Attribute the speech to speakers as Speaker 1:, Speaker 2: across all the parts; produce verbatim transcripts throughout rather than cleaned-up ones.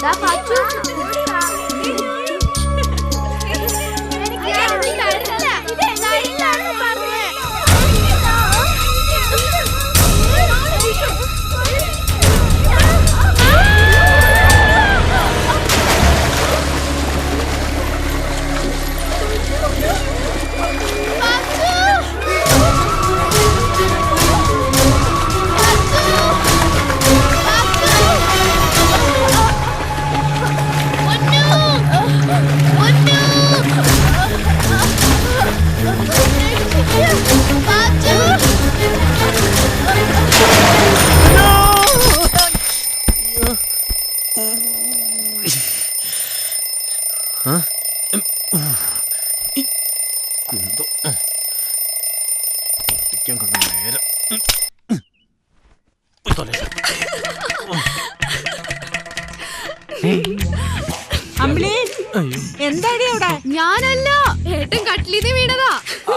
Speaker 1: എന്താടി അവിടെ?
Speaker 2: ഞാനല്ല, ഏട്ടൻ കട്ടിലിന്ന് വീണതാ.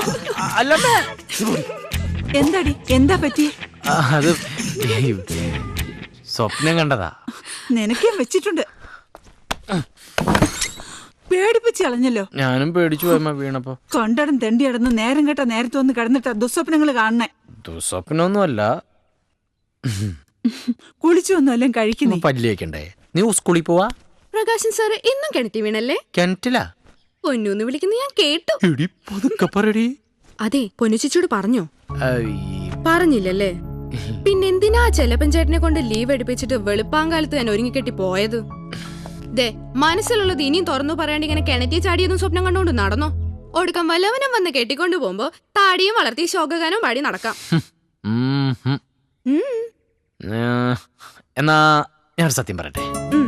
Speaker 1: എന്താടി, എന്താ പറ്റി?
Speaker 3: അത് സ്വപ്നം കണ്ടതാ.
Speaker 1: നിനക്കും വെച്ചിട്ടുണ്ട്. പേടിപ്പിച്ച് കളഞ്ഞല്ലോ.
Speaker 3: ഞാനും പേടിച്ചു പോയമ്മ വീണപ്പോ.
Speaker 1: കൊണ്ടടം തെണ്ടി അടന്ന് നേരം കേട്ട നേരത്തെ ഒന്ന് കിടന്നിട്ടാ ദുസ്വപ്നങ്ങൾ കാണണേ.
Speaker 3: ദുസ്വപ്നൊന്നുമല്ല.
Speaker 1: കുളിച്ചൊന്നും എല്ലാം കഴിക്കുന്നേ.
Speaker 3: പല്ലിയേക്കണ്ടേ? നീ സ്കൂളിൽ പോവാ?
Speaker 2: പ്രകാശൻ സാറ് ഇന്നും കിണറ്റി വീണല്ലേ?
Speaker 3: കിണറ്റിലാ?
Speaker 2: പൊന്നൂന്ന് വിളിക്കുന്ന ഞാൻ കേട്ടു. അതെ, പൊന്നുച്ചിച്ചോട് പറഞ്ഞോ? പറഞ്ഞില്ലല്ലേ? പിന്നെന്തിനാ ചെലപ്പൻ ചേട്ടനെ കൊണ്ട് ലീവ് എടുപ്പിച്ചിട്ട് വെളുപ്പാങ്കാലത്ത് ഞാൻ ഒരുങ്ങിക്കെട്ടി പോയത്? ദേ, മനസ്സിലുള്ളത് ഇനിയും തുറന്നു പറയാണ്ട് ഇങ്ങനെ കിണറ്റി ചാടിയൊന്നും സ്വപ്നം കണ്ടോണ്ട് നടന്നോ? ഒടുക്കം വല്ലവനും വന്ന് കെട്ടിക്കൊണ്ടു പോകുമ്പോ താടിയും വളർത്തി ശോകഗാനവും പാടി നടക്കാം.
Speaker 3: എന്നാ ഞാൻ സത്യം പറയട്ടെ.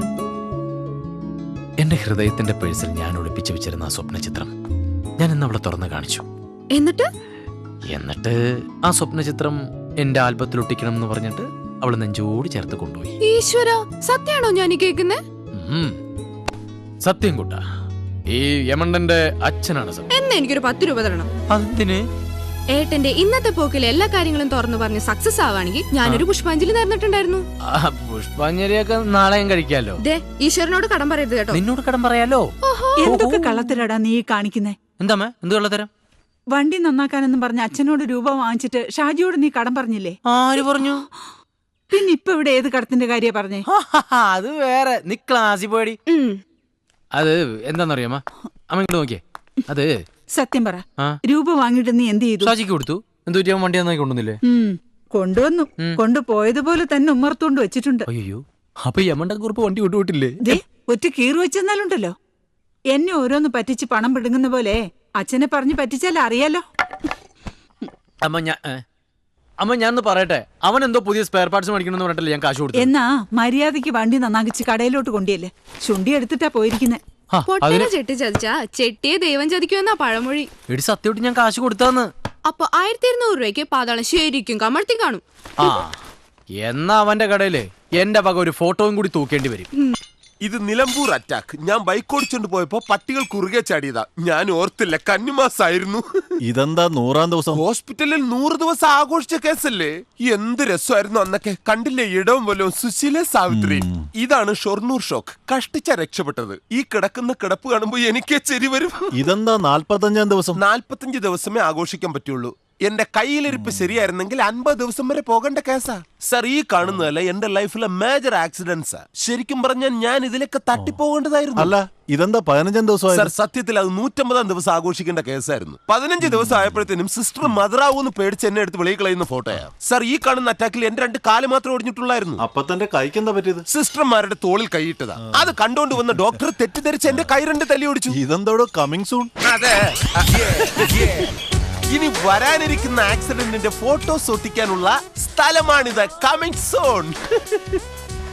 Speaker 3: എന്റെ ഹൃദയത്തിന്റെ പേഴ്സിൽ ഞാൻ ഒളിപ്പിച്ചു വെച്ചിരുന്ന ആ സ്വപ്ന ചിത്രം ഞാൻ ഇന്ന് അവളെ തുറന്നു കാണിച്ചു.
Speaker 2: എന്നിട്ട്
Speaker 3: എന്നിട്ട് ആ സ്വപ്ന ചിത്രം എന്റെ ആൽബത്തിൽ ഒട്ടിക്കണം എന്ന് പറഞ്ഞിട്ട് അവള് നെഞ്ചോട് ചേർത്ത് കൊണ്ടുപോയി.
Speaker 2: ഈശ്വര, സത്യാണോ ഞാൻ കേൾക്കുന്നേ?
Speaker 3: സത്യം കൂട്ടാ. ഈ യമണ്ടന്റെ അച്ഛനാണ് സത്യം.
Speaker 2: എന്നാ എനിക്കൊരു പത്ത് രൂപ തരണം.
Speaker 3: അതിന്
Speaker 2: ഏട്ടന്റെ ഇന്നത്തെ പോക്കിൽ എല്ലാ കാര്യങ്ങളും തുറന്നു പറഞ്ഞ് സക്സസ് ആവാണെങ്കിൽ ഞാനൊരു പുഷ്പാഞ്ജലി നേർന്നിട്ടുണ്ടായിരുന്നു.
Speaker 3: പുഷ്പാഞ്ജലിയൊക്കെ നാളെയും കഴിക്കാലോ.
Speaker 2: ദേ, ഈശ്വരനോട് കടം പറയരുത് കേട്ടോ.
Speaker 3: നിന്നോട് കടം പറയാലോ.
Speaker 1: എന്തൊക്കെ കള്ളത്തരാടാ നീ കാണിക്കുന്നേ?
Speaker 3: എന്താ എന്ത് കള്ളത്തരം?
Speaker 1: വണ്ടി നന്നാക്കാനെന്നും പറഞ്ഞ അച്ഛനോട് രൂപ വാങ്ങിച്ചിട്ട് ഷാജിയോട് നീ കടം പറഞ്ഞില്ലേ?
Speaker 3: ആര് പറഞ്ഞു?
Speaker 1: പിന്നെ ഇപ്പൊ ഇവിടെ ഏത് കടത്തിന്റെ കാര്യ പറഞ്ഞേ?
Speaker 3: അത് വേറെ. നീ ക്ലാസ്സിൽ പോയി. അത് എന്താന്നറിയാമ? അമ്മ ഇങ്ങോട്ട് നോക്കിയേ. അത്
Speaker 1: സത്യം പറ, രൂപ വാങ്ങിട്ട് നീ എന്ത് ചെയ്തു?
Speaker 3: ഷാജിക്ക് കൊടുത്തു. എന്തു വണ്ടി നന്നായി കൊണ്ടുവന്നില്ലേ?
Speaker 1: കൊണ്ടുവന്നു. കൊണ്ടുപോയതുപോലെ തന്നെ ഉമ്മർത്തോണ്ട് വെച്ചിട്ടുണ്ട്.
Speaker 3: അയ്യോ, അപ്പൊ യമണ്ട കുറിപ്പ് വണ്ടി വിട്ടുപോയിട്ടില്ലേ?
Speaker 1: ഒറ്റ കീറ് വെച്ചെന്നാലുണ്ടല്ലോ. എന്നെ ഓരോന്ന് പറ്റിച്ച് പണം പിടുങ്ങുന്ന പോലെ അച്ഛനെ പറഞ്ഞ് പറ്റിച്ചാൽ അറിയാലോ.
Speaker 3: അമ്മ ഞാൻ അമ്മ ഞാനൊന്ന് പറയട്ടെ. അവൻ എന്തോ പുതിയ സ്പെയർ പാർട്സ് മേടിക്കണമെന്ന് പറഞ്ഞിട്ടല്ലേ ഞാൻ കാശ് കൊടുത്തു.
Speaker 1: എന്നാ മര്യാദക്ക് വണ്ടി നന്നാക്കിച്ച് കടയിലോട്ട് കൊണ്ടിയല്ലേ. ചുണ്ടി എടുത്തിട്ടാ പോയിരിക്കുന്നെ.
Speaker 2: പൊട്ടനെ ചെട്ടി ചതിച്ചാ ചെട്ടിയെ ദൈവം ചതിക്കുമെന്നാ പഴമൊഴി.
Speaker 3: എടി സത്യമായിട്ട് ഞാൻ കാശ് കൊടുത്താന്ന്.
Speaker 2: അപ്പൊ ആയിരത്തി ഇരുന്നൂറ് രൂപയ്ക്ക് പാതാളം ശരിക്കും കമഴ്ത്തി കാണും.
Speaker 3: ആ, എന്നാ അവന്റെ കടയില് എന്റെ വക ഒരു ഫോട്ടോയും കൂടി തൂക്കേണ്ടി വരും.
Speaker 4: ഇത് നിലമ്പൂർ അറ്റാക്ക്. ഞാൻ ബൈക്ക് ഓടിച്ചോണ്ട് പോയപ്പോ പട്ടികൾ കുറുകെ ചാടിയതാ. ഞാൻ ഓർത്തില്ല, കന്നിമാസായിരുന്നു.
Speaker 5: ഇതെന്താ നൂറാം ദിവസം?
Speaker 4: ഹോസ്പിറ്റലിൽ നൂറ് ദിവസം ആഘോഷിച്ച കേസല്ലേ? എന്ത് രസമായിരുന്നു അന്നൊക്കെ. കണ്ടില്ലേ ഇടവും പോലും സുശീല സാവിത്രി. ഇതാണ് ഷൊർണൂർ ഷോക്ക്. കഷ്ടിച്ച രക്ഷപ്പെട്ടത്. ഈ കിടക്കുന്ന കിടപ്പ് കാണുമ്പോ എനിക്ക് ചെരി വരും.
Speaker 5: ഇതെന്താ നാല്പത്തഞ്ചാം ദിവസം?
Speaker 4: നാല്പത്തഞ്ച് ദിവസമേ ആഘോഷിക്കാൻ പറ്റുള്ളൂ. എന്റെ കയ്യിലിരിപ്പ് ശരിയായിരുന്നെങ്കിൽ അൻപത് ദിവസം വരെ പോകേണ്ട കേസാ സർ. ഈ കാണുന്നതല്ല എന്റെ ലൈഫിലെ മേജർ ആക്സിഡന്റ്സാ. ശരിക്കും പറഞ്ഞാൽ ഞാൻ ഇതിലൊക്കെ തട്ടിപ്പോകേണ്ടതായിരുന്നു.
Speaker 5: അല്ല, ഇതെന്താ പതിനഞ്ചാം ദിവസം?
Speaker 4: സർ, സത്യത്തിൽ അത് നൂറ്റമ്പതാം ദിവസം ആഘോഷിക്കേണ്ട കേസായിരുന്നു. പതിനഞ്ച് ദിവസം ആയപ്പോഴത്തേനും സിസ്റ്റർ മദറാവൂന്ന് പേടിച്ച് എന്നെ എടുത്ത് വെളിയിൽ കളയുന്ന ഫോട്ടോയാ സർ. ഈ കാണുന്ന അറ്റാക്കിൽ എന്റെ രണ്ട് കാല് മാത്രം ഒടിഞ്ഞിട്ടുള്ളായിരുന്നു.
Speaker 5: അപ്പൊ തന്റെ കൈക്ക് എന്താ പറ്റിയത്?
Speaker 4: സിസ്റ്റർമാരുടെ തോളിൽ കൈയിട്ടതാ. അത് കണ്ടോണ്ട് വന്ന ഡോക്ടർ തെറ്റിദ്ധരിച്ച് എന്റെ കൈ രണ്ട് തല്ലി ഓടിച്ചു.
Speaker 5: ഇതെന്തോടോ കമ്മിങ് സൂൺ?
Speaker 4: അതെ, ഇനി വരാനിരിക്കുന്ന ആക്സിഡന്റിന്റെ ഫോട്ടോസ് ഒട്ടിക്കാനുള്ള സ്ഥലമാണിത്. Coming zone.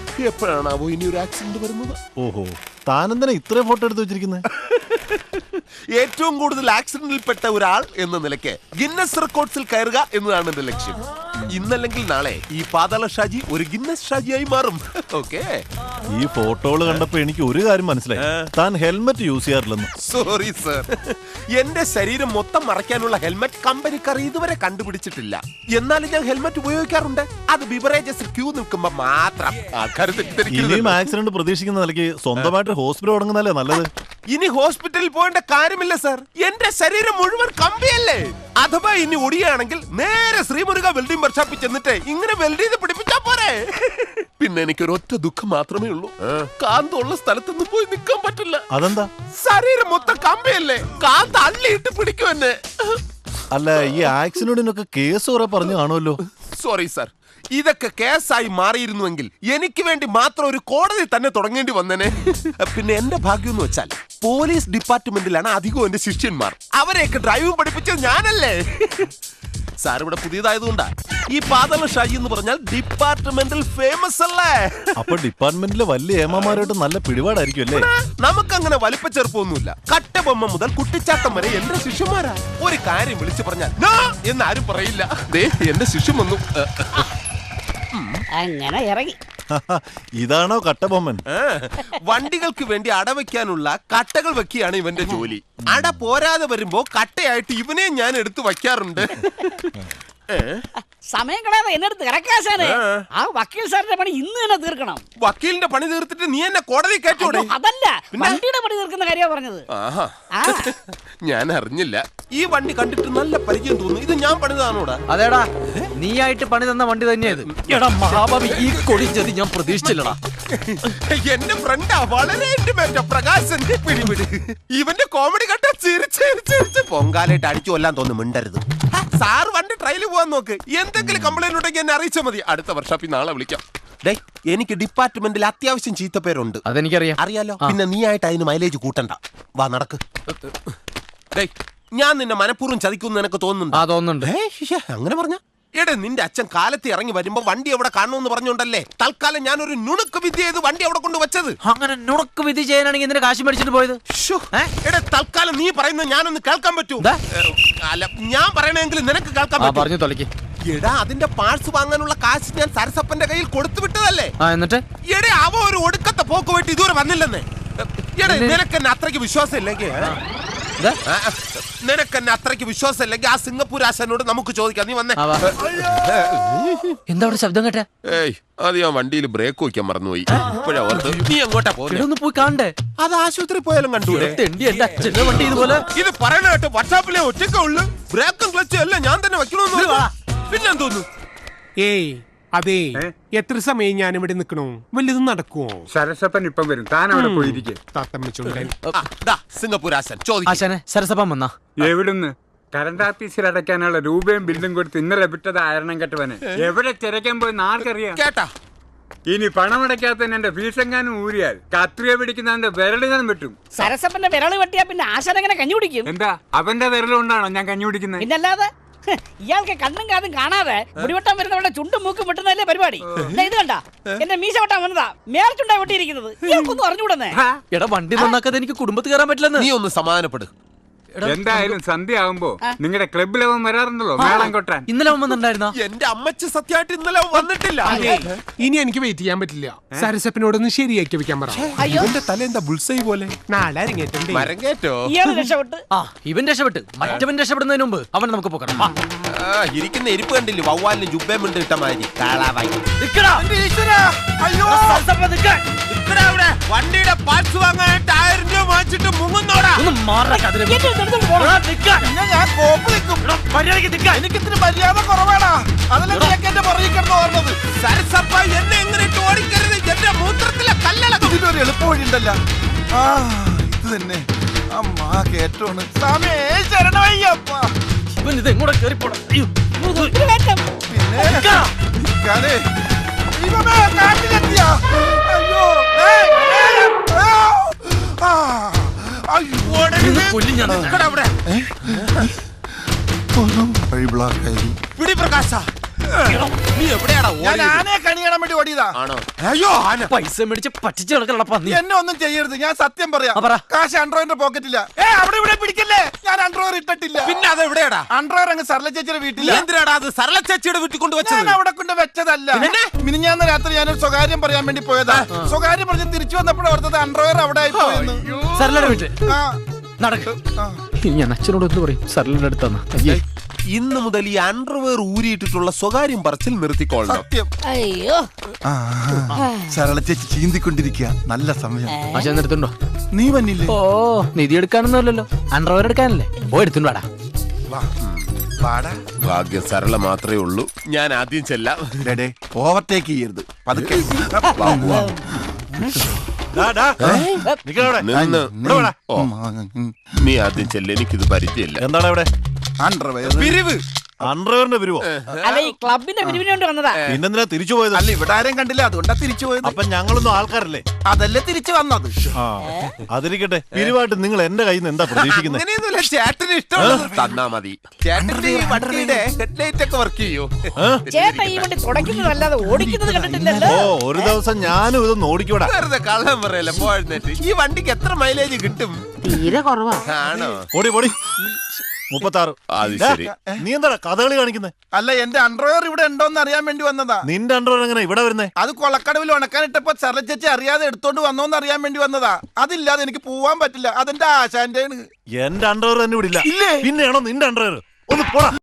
Speaker 4: എപ്പോഴാണാവോ ഇനി ഒരു ആക്സിഡന്റ് വരുന്നത്?
Speaker 5: ഓഹോ, താനെന്തിനാ ഇത്രയും ഫോട്ടോ എടുത്ത് വെച്ചിരിക്കുന്നത്?
Speaker 4: ഏറ്റവും കൂടുതൽ ആക്സിഡന്റിൽപ്പെട്ട ഒരാൾ എന്ന നിലയ്ക്ക് ഗിന്നസ് റെക്കോർഡ്സിൽ കയറുക എന്നതാണ് എന്റെ ലക്ഷ്യം. ഇന്നല്ലെങ്കിൽ നാളെ ഈ പാതാള ഷാജി ഒരു ഗിന്നസ് ഷാജിയായി മാറും. ഓക്കെ.
Speaker 5: ഈ ഫോട്ടോകൾ കണ്ടപ്പോ എനിക്ക് ഒരു കാര്യം മനസ്സിലായി, താൻ ഹെൽമെറ്റ് യൂസ് ചെയ്യാറില്ലെന്ന്.
Speaker 4: സോറി സർ, എന്റെ ശരീരം മൊത്തം മറയ്ക്കാനുള്ള ഹെൽമെറ്റ് കമ്പനിക്കാർ ഇതുവരെ കണ്ടുപിടിച്ചിട്ടില്ല. എന്നാലും ഞാൻ ഹെൽമെറ്റ് ഉപയോഗിക്കാറുണ്ട്. അത് ബിവറേജസിൽ ക്യൂ നിൽക്കുമ്പോ മാത്രം. ആൾക്കാർ തെറ്റിദ്ധരിക്കരുത്.
Speaker 5: ഇനിയും ആക്സിഡന്റ് പ്രതീക്ഷിക്കുന്ന നിലയ്ക്ക് സ്വന്തമായിട്ട് ഹോസ്പിറ്റൽ തുടങ്ങുന്നല്ലേ നല്ലത്.
Speaker 4: ഇനി ഹോസ്പിറ്റലിൽ പോകേണ്ട കാര്യമില്ല സർ, എന്റെ ശരീരം മുഴുവൻ കമ്പിയല്ലേ. അഥവാ ഇനി ഒടിയാണെങ്കിൽ നേരെ ശ്രീമുരുക വെൽഡിംഗ് വർക്ക്ഷോപ്പിൽ ചെന്നിട്ട് ഇങ്ങനെ വെൽഡ് ചെയ്ത് പിടിപ്പിച്ചാ പോരെ. പിന്നെ എനിക്കൊരു ഒറ്റ ദുഃഖം മാത്രമേ ഉള്ളൂ, കാന്തുള്ള സ്ഥലത്തൊന്നും പോയി നിൽക്കാൻ പറ്റില്ല.
Speaker 5: അതെന്താ?
Speaker 4: ശരീരം മൊത്തം കമ്പിയല്ലേ, കാന്ത് അള്ളിയിട്ട് പിടിക്കും എന്നെ.
Speaker 5: അല്ല, ഈ ആക്സിഡന്റിനൊക്കെ കേസ് കുറെ പറഞ്ഞു കാണുമല്ലോ.
Speaker 4: സോറി സർ, ഇതൊക്കെ കേസായി മാറിയിരുന്നുവെങ്കിൽ എനിക്ക് വേണ്ടി മാത്രം ഒരു കോടതി തന്നെ തുടങ്ങേണ്ടി വന്നേനെ. പിന്നെ എന്റെ ഭാഗ്യം എന്ന് വെച്ചാൽ പോലീസ് ഡിപ്പാർട്ട്മെന്റിലാണ് അധികവും എന്റെ ശിഷ്യന്മാർ. അവരെയൊക്കെ ഡ്രൈവ് പഠിപ്പിച്ചത് ഞാനല്ലേ. സാർ ഇവിടെ പുതിയതായതുകൊണ്ടാ ഈ പാതാള ഷാജി എന്ന് പറഞ്ഞാൽ ഡിപ്പാർട്ട്മെന്റിൽ ഫേമസ് അല്ലേ.
Speaker 5: അപ്പൊ ഡിപ്പാർട്ട്മെന്റിലെ വലിയ ഏമാമാരായിട്ട് നല്ല പിടിപാടായിരിക്കും അല്ലേ?
Speaker 4: നമുക്കങ്ങനെ വലിപ്പച്ചെറുപ്പൊന്നുമില്ല. കട്ടബൊമ്മ മുതൽ കുട്ടിച്ചാട്ടം വരെ എന്റെ ശിഷ്യന്മാരാ. ഒരു കാര്യം വിളിച്ചു പറഞ്ഞാൽ നോ എന്നാരും പറയില്ല. ദേ എന്റെ ശിഷ്യൻ വന്നു.
Speaker 6: അങ്ങനെ ഇറങ്ങി.
Speaker 5: ഇതാണോ കട്ടബൊമ്മൻ?
Speaker 4: വണ്ടികൾക്ക് വേണ്ടി അടവയ്ക്കാനുള്ള കട്ടകൾ വെക്കുകയാണ് ഇവന്റെ ജോലി. അട പോരാതെ വരുമ്പോ കട്ടയായിട്ട് ഇവനെ ഞാൻ എടുത്തു വയ്ക്കാറുണ്ട്.
Speaker 6: സമയം കളയാതെ എന്നെടുത്ത് കിടക്കാശാനെ. ആ വക്കീൽ സാറിന്റെ പണി ഇന്ന് തന്നെ തീർക്കണം.
Speaker 4: വക്കീലിന്റെ പണി തീർത്തിട്ട് നീ എന്നെ കോടതി കയറ്റോടെ?
Speaker 6: അതല്ല, വണ്ടിയുടെ പണി തീർക്കുന്ന കാര്യമാണ് പറഞ്ഞത്.
Speaker 4: ആഹാ, ഞാൻ അറിഞ്ഞില്ല. ഈ വണ്ടി കണ്ടിട്ട് നല്ല പരിചയം തോന്നുന്നു. ഇത് ഞാൻ പണിതാണോടാ?
Speaker 3: അതേടാ, നീയായിട്ട് പണി തന്ന വണ്ടി തന്നെയത്. എടാ മഹാഭാവി, ഈ കൊടിച്ചത് ഞാൻ പ്രതീക്ഷിച്ചില്ലടാ.
Speaker 4: എന്റെ ഫ്രണ്ടാ, വളരെ ഇന്റിമേറ്റാ പ്രകാശൻ. പിടിപിടി, ഇവന്റെ കോമഡി കണ്ട ചിരിച്ച് പൊങ്കാലായിട്ട് അടിച്ചു കൊല്ലാൻ തോന്നുന്നു. മിണ്ടരുത് സാർ, വണ്ടി ട്രയൽ പോവാൻ നോക്ക്. എന്തെങ്കിലും കംപ്ലൈന്റ് ഉണ്ടെങ്കിൽ എന്നെ അറിയിച്ചാൽ മതി. അടുത്ത വർഷാപ്പിൽ നാളെ വിളിക്കാം. ഡേ, എനിക്ക് ഡിപ്പാർട്ട്മെന്റിൽ അത്യാവശ്യം ചീത്തപ്പേരുണ്ട്.
Speaker 3: അതെനിക്കറിയാം.
Speaker 4: അറിയാലോ. പിന്നെ നീ ആയിട്ട് അതിന് മൈലേജ് കൂട്ടണ്ട. വാ നടക്ക്. ഡേ, ഞാൻ നിന്നെ മനഃപൂർവ്വം ചതിക്കുന്നു നിനക്ക് തോന്നുന്നുണ്ട്?
Speaker 3: ആ തോന്നുന്നുണ്ട്.
Speaker 4: അങ്ങനെ പറഞ്ഞ എടേ, നിന്റെ അച്ഛൻ കാലത്ത് ഇറങ്ങി വരുമ്പോ വണ്ടി എവിടെ കാണുമെന്ന് പറഞ്ഞോണ്ടല്ലേ തൽക്കാലം ഞാൻ ഒരു നുണുക്ക് വിദ്യ ചെയ്ത് വണ്ടി അവിടെ കൊണ്ട് വെച്ചത്.
Speaker 3: അങ്ങനെ നുണക്ക് വിധി ചെയ്യാനാണെങ്കിൽ എന്തിനാ കാശ് മേടിച്ചിട്ട് പോയത്?
Speaker 4: എടേ, തൽക്കാലം നീ പറയുന്നത് ഞാനൊന്ന് കേൾക്കാൻ പറ്റൂ? അല്ല, ഞാൻ പറയണെങ്കിലും നിനക്ക് കേൾക്കാൻ പറ്റും.
Speaker 3: പറഞ്ഞു തൊലക്ക്.
Speaker 4: എടാ, അതിന്റെ പാർട്സ് വാങ്ങാനുള്ള കാശ് ഞാൻ സരസപ്പന്റെ കയ്യിൽ കൊടുത്തു വിട്ടതല്ലേ.
Speaker 3: എന്നിട്ട്
Speaker 4: എടേ, അവ ഒരു ഒടുക്കത്തെ പോക്ക് വേണ്ടി ഇതുവരെ വന്നില്ലെന്നേ. എടേ, നിനക്കെന്നെ അത്രയ്ക്ക് വിശ്വാസം ഇല്ലെങ്കിൽ നിനക്കെന്നെ അത്രയ്ക്ക് വിശ്വാസം ഇല്ലെങ്കിൽ ആ സിംഗപ്പൂർ ആശാനോട് നമുക്ക് ചോദിക്കാം. നീ വന്നേ.
Speaker 3: എന്താ അവിടെ ശബ്ദം കേട്ടെ?
Speaker 4: ഏയ്, അത് ഞാൻ വണ്ടിയിൽ ബ്രേക്ക് വയ്ക്കാൻ മറന്നുപോയി. ഇപ്പോഴാ ഓർത്ത്. നീ എങ്ങോട്ടാ പോകുന്നത്?
Speaker 3: പോയി കാണണ്ടേ?
Speaker 4: അത് ആശുപത്രി പോയാലും കണ്ടൂടെ?
Speaker 3: വണ്ടി ഇതുപോലെ
Speaker 4: ഇത് പറയണ കേട്ട് വാട്സാപ്പിലെ ഒറ്റയ്ക്കേ ഉള്ളു. ബ്രേക്കും ക്ലച്ചും എല്ലാം ഞാൻ തന്നെ വെക്കണമെന്ന് പിന്നെന്തോന്നു?
Speaker 7: ഏയ് അതെ, എത്ര സമയം ഞാൻ ഇവിടെ നിൽക്കണോ? വല്ലതും നടക്കുവോ?
Speaker 8: സരസപ്പൻ ഇപ്പം വരും, താൻ അവിടെ പോയിരിക്കെ.
Speaker 7: താത്തമ്മച്ചുണ്ടൻ
Speaker 4: സിംഗപ്പൂർ ആശാൻ ചോദിക്കും.
Speaker 3: ആശാനെ, സരസപ്പം വന്നാ?
Speaker 8: എവിടുന്ന്? കറണ്ട് ഓഫീസിൽ അടയ്ക്കാനുള്ള രൂപയും ബില്ലും കൊടുത്ത് ഇന്നലെ വിട്ടത് ആയിരണം കെട്ടവനെ. എവിടെ തിരക്കാൻ പോയി ആർക്കറിയാം?
Speaker 4: കേട്ടാ,
Speaker 8: ഇനി പണമടയ്ക്കാത്ത എന്റെ ഫീസെങ്ങാനും ഊരിയാൽ കത്രിക പിടിക്കുന്നതിന്റെ വിരല് ഞാൻ വെട്ടും.
Speaker 6: സരസപ്പന്റെ വിരള് വെട്ടിയാ പിന്നെ ആശാൻ എങ്ങനെ കഞ്ഞി കുടിക്കും?
Speaker 8: എന്താ അവന്റെ വിരലുകൊണ്ടാണോ ഞാൻ കഞ്ഞി കുടിക്കുന്നത്?
Speaker 6: പിന്നല്ലാതെ ഇയാൾക്ക് കണ്ണും കാതും കാണാതെ മുടിവെട്ടാൻ വരുന്നവരുടെ ചുണ്ടും മൂക്കും വെട്ടുന്നതല്ലേ പരിപാടി. ഇത് കണ്ട, എന്റെ മീശ വെട്ടാൻ വന്നതാ, മേൽച്ചുണ്ടാ വെട്ടിയിരിക്കുന്നത്. ഇയാൾക്കൊന്നും അറിഞ്ഞുകൂടന്നേ.
Speaker 3: എടാ, വണ്ടി നന്നാക്കാതെ എനിക്ക് കുടുംബത്തിൽ കയറാൻ പറ്റില്ലെന്ന്.
Speaker 4: നീ ഒന്ന് സമാധാനപ്പെടും.
Speaker 8: എന്തായാലും സന്ധ്യ ആവുമ്പോ നിങ്ങളുടെ ക്ലബിൽ അവൻ വരാറുണ്ടല്ലോ മേളം കൊട്ടാൻ.
Speaker 3: ഇന്നലെ അവൻ വന്നിട്ടുണ്ടായിരുന്നോ?
Speaker 4: എന്റെ അമ്മച്ച് സത്യമായിട്ട് ഇന്നലെ വന്നിട്ടില്ല.
Speaker 7: ഇനി എനിക്ക് വെയിറ്റ് ചെയ്യാൻ പറ്റില്ല. സരസപ്പനോടൊന്ന് ശരിയാക്കി വെക്കാൻ പറ.
Speaker 4: ഇവന്റെ തല എന്താ ബുൾസൈ പോലെ?
Speaker 7: നാളെ അരങ്ങേറ്റണ്ടേ?
Speaker 4: മരങ്ങേറ്റോ?
Speaker 6: ഇയാൾ രക്ഷപ്പെട്ട്.
Speaker 3: ആ, ഇവൻ രക്ഷപ്പെട്ട്. മറ്റവൻ രക്ഷപ്പെടുന്നതിന് മുമ്പ് അവൻ നമുക്ക് പോക്കണം.
Speaker 4: ഇരിക്കുന്ന ഇരിപ്പ് കണ്ടില്ലേ, വവ്വാലിന് ജുബേം ഉണ്ട് ഇട്ട മാതിരി. വണ്ടിയുടെ പാർട്സ് വാങ്ങാനായിട്ട് ആയിരം രൂപ വാങ്ങിച്ചിട്ട് മുങ്ങുന്നോടാ. എനിക്കിത്തിരി മര്യാദ കുറവാടാ. അതല്ലേ എന്റെ പുറകിൽ കിടന്ന് ഓർമ്മത്. സരസപ്പ എന്നെ എങ്ങനെ ഇട്ട് ഓടിക്കരുത്. എന്റെ മൂത്രത്തിലെ കല്ലളക്കും.
Speaker 5: ഇതിനൊരു എളുപ്പ വഴിയുണ്ടല്ല. ആ, ഇത് തന്നെ. അമ്മാ കേറ്റോണ്.
Speaker 3: ഇവൻ ഇത് എങ്ങോട്ട് കയറിപ്പോടാ.
Speaker 5: പിന്നെ
Speaker 3: കൊല്ലി ഞാൻ.
Speaker 4: പിടി പ്രകാശ, നീ എവിടെയാടാ
Speaker 5: ഞാൻ
Speaker 4: ഓടിയത്?
Speaker 5: ആനയെ കണിയാൻ വേണ്ടി ഓടിയതാ.
Speaker 4: ആണോ?
Speaker 5: അയ്യോ ആന.
Speaker 3: പൈസ മേടിച്ച് പറ്റിച്ച് കിടക്കണ പന്നി.
Speaker 5: എന്നെ ഒന്നും ചെയ്യരുത്, ഞാൻ സത്യം പറയാം.
Speaker 3: ആ, പറ.
Speaker 5: കാശ് അണ്ടർവെയറിന്റെ പോക്കറ്റില്ല. ഏ അവിടെ ഇവിടെ പിടിക്കല്ലേ, ഞാൻ അണ്ടർവെയർ ഇട്ടിട്ടില്ല.
Speaker 4: പിന്നെ അത് എവിടെയാടാ?
Speaker 5: അണ്ടർവെയർ അങ്ങ് സർല ചേച്ചിയുടെ
Speaker 4: നീ
Speaker 5: വീട്ടില്ല.
Speaker 4: എന്തിനാടാ അത് സരള ചേച്ചിയുടെ വീട്ടിൽ കൊണ്ട്
Speaker 5: ഞാൻ
Speaker 4: വെച്ചത്?
Speaker 5: അവിടെ കൊണ്ട് വെച്ചതല്ല. മിനിഞ്ഞാന്ന് രാത്രി ഞാനൊരു സ്വകാര്യം പറയാൻ വേണ്ടി പോയതാ. സ്വകാര്യം പറഞ്ഞ് തിരിച്ചു വന്നപ്പോൾ ഓർത്തത് അണ്ടർവെയർ അവിടെ ആയി പോയെന്ന്.
Speaker 3: സരളയുടെ വീട്ടിൽ
Speaker 5: ആ,
Speaker 3: നടക്ക്.
Speaker 5: ആ.
Speaker 3: ഇനി ഞാൻ അച്ഛനോട് എന്ത് പറയും? സരളയുടെ അടുത്താ. അയ്യേ,
Speaker 4: ഇന്ന് മുതൽ ഈ അണ്ടർവെയർ ഊരിയിട്ടിട്ടുള്ള സ്വകാര്യം പറച്ചിൽ നിർത്തിക്കൊള്ളണം.
Speaker 5: സത്യം.
Speaker 6: അയ്യോ
Speaker 5: ആ, സരള ചേച്ചി ചീന്തിക്കൊണ്ടിരിക്കുക. നല്ല സമയം.
Speaker 3: അച്ഛൻ എടുത്തുണ്ടോ?
Speaker 5: നീ വന്നില്ലേ?
Speaker 3: ഓ, നിധി എടുക്കാനൊന്നുമല്ലല്ലോ, അണ്ടർവെയർ എടുക്കാനല്ലേ. ഓ, എടുത്തുണ്ടോ?
Speaker 5: വാ. വാടാ.
Speaker 4: ഭാഗ്യം സരള മാത്രമേ ഉള്ളൂ. ഞാൻ ആദ്യം ചെല്ലാം.
Speaker 5: ഡേ ഓവർടേക്ക് ചെയ്യരുത്, പതുക്കെ.
Speaker 4: വാ, വാ. നിന്ന്. ഓ, നീ ആദ്യം ചെല്ല, എനിക്കിത് പരിചയമില്ല.
Speaker 9: എന്താണ് ഇവിടെ
Speaker 5: അണ്ടർവെയർ
Speaker 4: പിരിവ്.
Speaker 9: അണ്ടർവെയറിന്റെ പിരിവോ?
Speaker 6: അല്ല ഈ ക്ലബിന്റെ പിരിവിന് വേണ്ടി വന്നതാ.
Speaker 9: പിന്നെന്തിനാ തിരിച്ചു പോയത്?
Speaker 5: അല്ല, ഇവിടെ ആരും കണ്ടില്ല, അതുകൊണ്ടാ തിരിച്ചു പോയത്.
Speaker 9: അപ്പൊ ഞങ്ങളൊന്നും ആൾക്കാരല്ലേ?
Speaker 5: അതല്ലേ തിരിച്ചു വന്നത്.
Speaker 9: ആ അതിരിക്കട്ടെ, പിരിവായിട്ട് നിങ്ങൾ എന്റെ കയ്യിൽ നിന്ന് എന്താ പ്രതീക്ഷിക്കുന്നത്?
Speaker 4: അങ്ങനെയൊന്നുമില്ല, ചേട്ടന് ഇഷ്ടമുള്ളത് തന്നാ മതി. ചേട്ടന്റെ ഈ വണ്ടിയുടെ ഹെഡ്ലൈറ്റ് ഒക്കെ വർക്ക് ചെയ്യൂ.
Speaker 6: ചേട്ടാ ഈ വണ്ടി തുടയ്ക്കുന്നതല്ലാതെ ഓടിക്കുന്നത് കണ്ടിട്ടില്ലല്ലോ.
Speaker 9: ഓ, ഒരു ദിവസം ഞാനും ഇതൊന്ന് ഓടിക്കൂടാ.
Speaker 4: വെറുതെ കള്ളം പറയല്ലേ പോഴുന്നേറ്റ്. ഈ വണ്ടിക്ക് എത്ര മൈലേജ് കിട്ടും?
Speaker 1: തീരെ കുറവാ.
Speaker 4: ആണോ?
Speaker 9: ഓടി പോടി. മുപ്പത്താറ്.
Speaker 4: അത്
Speaker 9: ഡാ,
Speaker 4: ശരി.
Speaker 9: നീ എന്താ കഥകളി കാണിക്കുന്നത്?
Speaker 5: അല്ല, എന്റെ അണ്ടർവെയർ ഇവിടെ ഉണ്ടോന്ന് അറിയാൻ വേണ്ടി വന്നതാ.
Speaker 9: നിന്റെ അണ്ടർവെയർ എങ്ങനെ ഇവിടെ വരുന്നേ?
Speaker 5: അത് കൊളക്കടവിൽ ഉണക്കാനിട്ടപ്പോ സരള ചേച്ചി അറിയാതെ എടുത്തോണ്ട് വന്നോന്ന് അറിയാൻ വേണ്ടി വന്നതാ. അതില്ലാതെ എനിക്ക് പോവാൻ പറ്റില്ല. അതെന്റെ ആശാന്റെ
Speaker 9: എന്റെ അണ്ടർവെയർ തന്നെ ഇവിടെ ഇല്ല. പിന്നെയാണോ നിന്റെ അണ്ടർവെയർ? ഒന്ന് പോടാ.